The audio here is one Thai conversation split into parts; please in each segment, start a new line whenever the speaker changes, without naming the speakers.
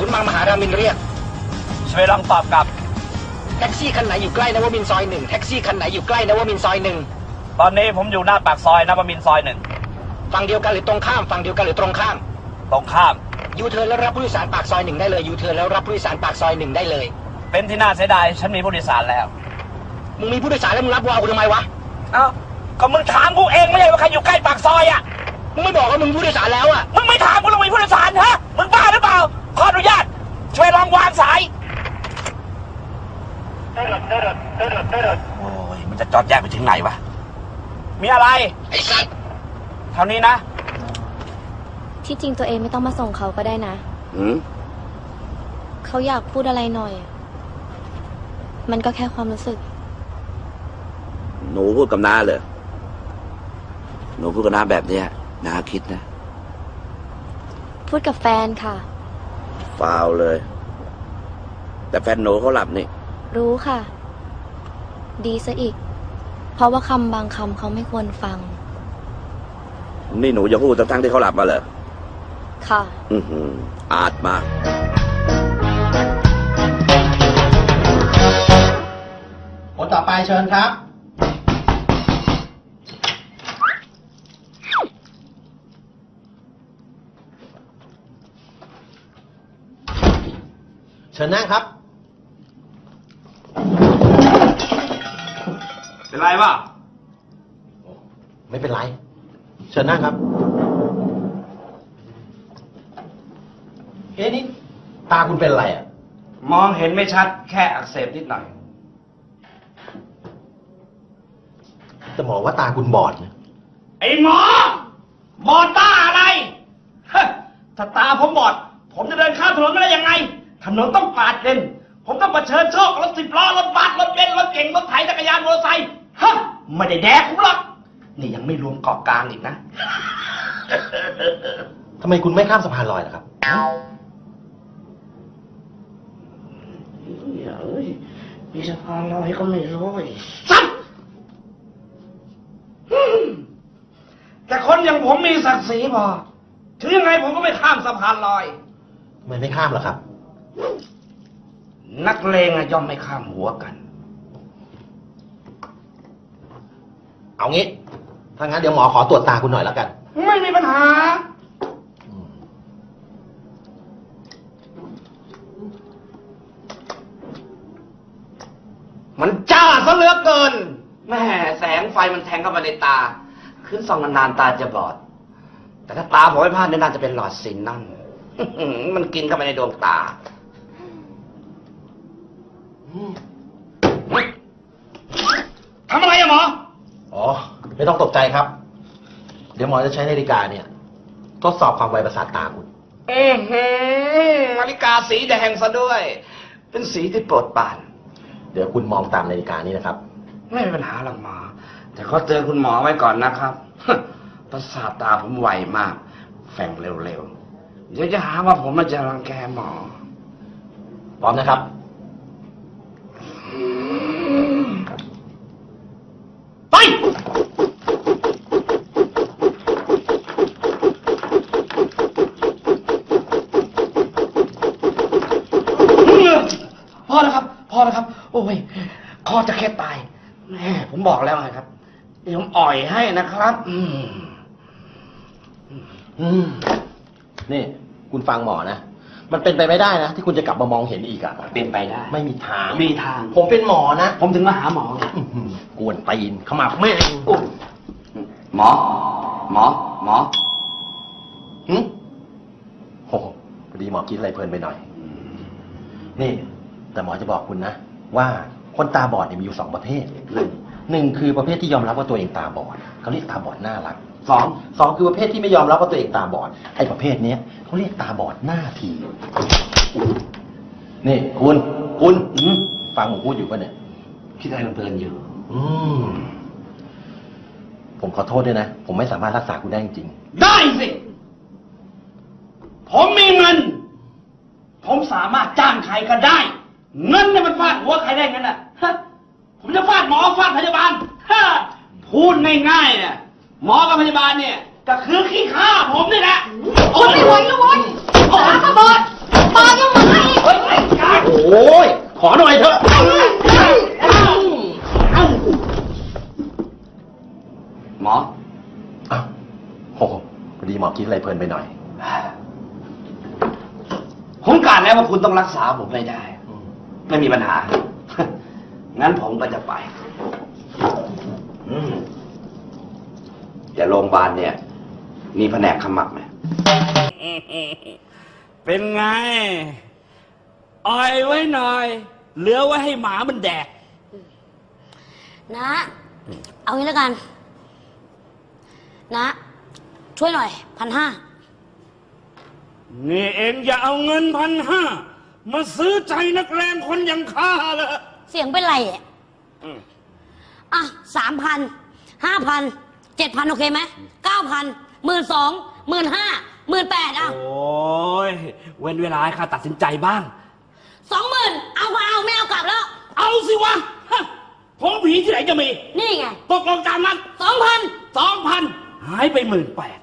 ศูนย์มังมหารามินเรียก
ช่วยลองตอบกลับ
แท็กซี่คันไหนอยู่ใกล้นวมินทร์ซอย1แท็กซี่คันไหนอยู่ใกล้นวมินทร์ซอย1
ตอนนี้ผมอยู่หน้าปากซอยนวมินทร์ซอย1
ฝั่งเดียวกันหรือตรงข้ามฝั่งเดียวกันหรือตรงข้าม
ตรงข้าม
ยูเทิร์นแล้วรับผู้โดยสารปากซอย1ได้เลยยูเทิร์นแล้วรับผู้โดยสารปากซอย1ได้เลย
เป็นที่น่าเสียดายฉันมีผู้โดยสารแล้ว
มึงมีผู้โดยสารแล้วมึงรับวาวกูทำไมวะ
เอ้าก็มึงถามกูเองไม่ใช่ว่าใครอยู่ใกล้ปากซอยอ่ะ
มึงไม่บอกว่ามึงผู้โดยสารแล้วอ่ะ
มึงไม่ถามกูลงมีผู้โดยสารฮะมึงบ้าหรือเปล่าขออนุญาตช่วยลองวางสายโอ้ยมันจะจอดแยกไปถึงไหนวะมีอะไร
ไอ้สัตว์
เท่านี้นะ
ที่จริงตัวเองไม่ต้องมาส่งเขาก็ได้นะเขาอยากพูดอะไรหน่อยมันก็แค่ความรู้สึก
หนูพูดกับน้าเลยหนูพูดกับน้าแบบเนี้ยน้าคิดนะ
พูดกับแฟนค่ะ
ฟาวเลยแต่แฟนหนูเขาหลับนี่
รู้ค่ะดีซะอีกเพราะว่าคำบางคำเขาไม่ควรฟัง
นี่หนูจะพูดทั้งที่เขาหลับมาเหรอ
ค่ะ
อาจมาก
คนต่อไปเชิญครับเชิญนั่งครับ
เป็นไรวะ
ไม่เป็นไรเชิญนั่งครับนี่ตาคุณเป็นอะไรอ่ะ
มองเห็นไม่ชัดแค่อักเสบนิดหน่อย
จะบอกว่าตาคุณบอดนะ
ไอ้หมอบอดตาอะไรถ้าตาผมบอดผมจะเดินข้ามถนนไม่ได้ยังไงถนนต้องปาดเลนผมต้องเผชิญโชครถ10 ล้อรถบัสรถเบนซ์รถเก๋งรถไถจักรยานมอเตอร์ไซค์ไม่ได้แดกผมหรอกนี่ยังไม่รวมเกาะกลางอีกนะ
ทำไมคุณไม่ข้ามสะพานลอยล่ะครับ
มีสะพานลอยก็ไม่ร้อยสัตว์แต่คนอย่างผมมีศักดิ์ศรีพอถึงยังไงผมก็ไม่ข้ามสะพานลอย
ทำไมไม่ข้ามล่ะครับ
นักเลงย่อมไม่ข้ามหัวกัน
เอางี้ถ้างั้นเดี๋ยวหมอขอตรวจตาคุณหน่อยแล้วกัน
ไม่มีปัญหามันจ้าซะเหลือเกินแม่แสงไฟมันแทงเข้ามาในตาขึ้นส่องนานๆตาจะบอดแต่ถ้าตาผมไม่พลาดน่าจะเป็นหลอดซินนั่นมันกินเข้าไปในดวงตาทำอะไรอะหมอ
อ๋อไม่ต้องตกใจครับเดี๋ยวหมอจะใช้นาฬิกาเนี่ยทดสอบความไวประสาทตาคุณ
นาฬิกาสีแดงซะด้วยเป็นสีที่โปรดปราน
เดี๋ยวคุณมองตามนาฬิกานี้นะครับ
ไม่มีปัญหาหรอกหมอแต่ขอเตือนคุณหมอไว้ก่อนนะครับประสาทตาผมไวมากแฝงเร็วๆเดี๋ยวจะหาว่าผมมาจะรังแกหมอ
พร้อมนะครับ
ไปพอแล้วครับพอแล้วครับโอ้ยคอจะแค่ตายแม่ผมบอกแล้วไงครับเดี๋ยวผมอ่อยให้นะครับ
นี่คุณฟังหมอนะมันเป็นไปไม่ได้นะที่คุณจะกลับมามองเห็นอีกอ่ะ
เป็นไปได้
ไม่มีทาง
มีทาง
ผมเป็นหมอนะ
ผมถึงมาหาหมอไง
กวนตีนเข้ามาแม่
หมอ
โอ้พอดีหมอคิดอะไรเพลินไปหน่อยนี่แต่หมอจะบอกคุณนะว่าคนตาบอดเนี่ยมีอยู่2 ประเภทหนึ่งคือประเภทที่ยอมรับว่าตัวเองตาบอดเขาเรียกตาบอดน่ารักสองคือประเภทที่ไม่ยอมรับว่าตัวเองตาบอดไอ้ประเภทนี้เขาเรียกตาบอดหน้าทีนี่คุณฟังผมพูดอยู่ป่ะเนี่ย
คิดอะไรเพลินอยู่
ผมขอโทษด้วยนะผมไม่สามารถรักษาคุณได้จริง
ได้สิผมมีเงินผมสามารถจ้างใครก็ได้เงินเนี่ยมันฟาดหัวใครได้งั้นน่ะผมจะฟาดหมอฟาดพยาบาลพูดง่ายๆเนี่ยหมอกับพยาบาลเนี่ยก็คือขี้ข้าผมนี่แหละ
โอ้ยไม่ไหวแล้วเว้ยตาก็บอดตายัง
ยขอหน่อยเถอะ
หมอ
อ้าวโอ้โหพอดีหมอคิดอะไรเพลินไปหน่อย
ผมกะแล้วว่าคุณต้องรักษาผมไม่ได้ ไม่มีปัญหา งั้นผมก็จะไปแต่โรงพยาบาลเนี่ย มีแผนกขมักไหม
เป็นไง อ่อยไว้หน่อย เหลือไว้ให้หมามันแดก
นะ เอางี้แล้วกัน นะ ช่วยหน่อย1,500
นี่เองอย่าเอาเงิน1,500มาซื้อใจนักเลงคนอย่างข้าเลย
เสียงเป็นไรอ่ะอ่ะ3,000 5,000 7,000โอเคไหม9,000 12,000 15,000 18,000อ่ะ
โอ้ยเว้นเวลาให้ข้าตัดสินใจบ้าง
20,000เอาก็เอาไม่เอากลับแล้ว
เอาสิวะฮะผมผีที่ไหนจะมี
นี่ไง
ตกลงตามนั้น
2,000
2,000 หายไป18,000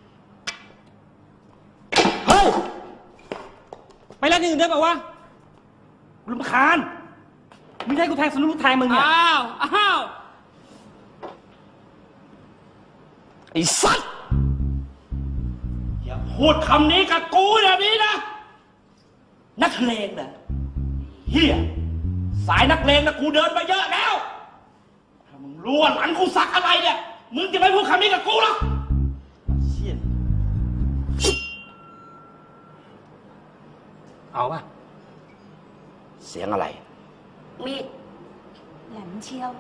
เฮ้ย
ไปร้านอื่นได้ป่าวะรำคาญมึงให้กูแทงสนุกลูกแทงมึงเนี่ย
อ้าว ไอ้สัตว์ อย่าพูดคำนี้กับกูแบบนี้นะ นักเลงนะเฮียสายนักเลงนะกูเดินมาเยอะแล้ว ถ้ามึงรู้ว่าหลังกูสักอะไรเนี่ย มึงจะไม่พูดคำนี้กับกูหรอกเชี่ยเอาป่ะ
เสียงอะไร
มีดแหลมเชียว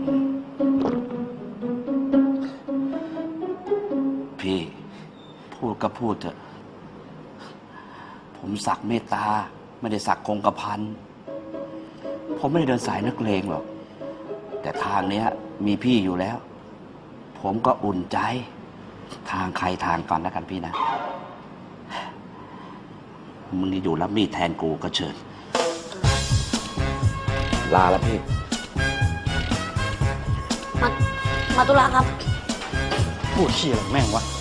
พี่ พูดก็พูดเถอะ ผมสักเมตตา ไม่ได้สักคงกระพัน ผมไม่ได้เดินสายนักเลงหรอก แต่ทางเนี้ย มีพี่อยู่แล้ว ผมก็อุ่นใจ ทางใครทางกันแล้วกันพี่นะ มึงนี่อยู่รับมีดแทนกูก็เชิญ ลาแล้วพี่
มาตุลาครับ
พูดเชี่ยอะไรแม่งวะ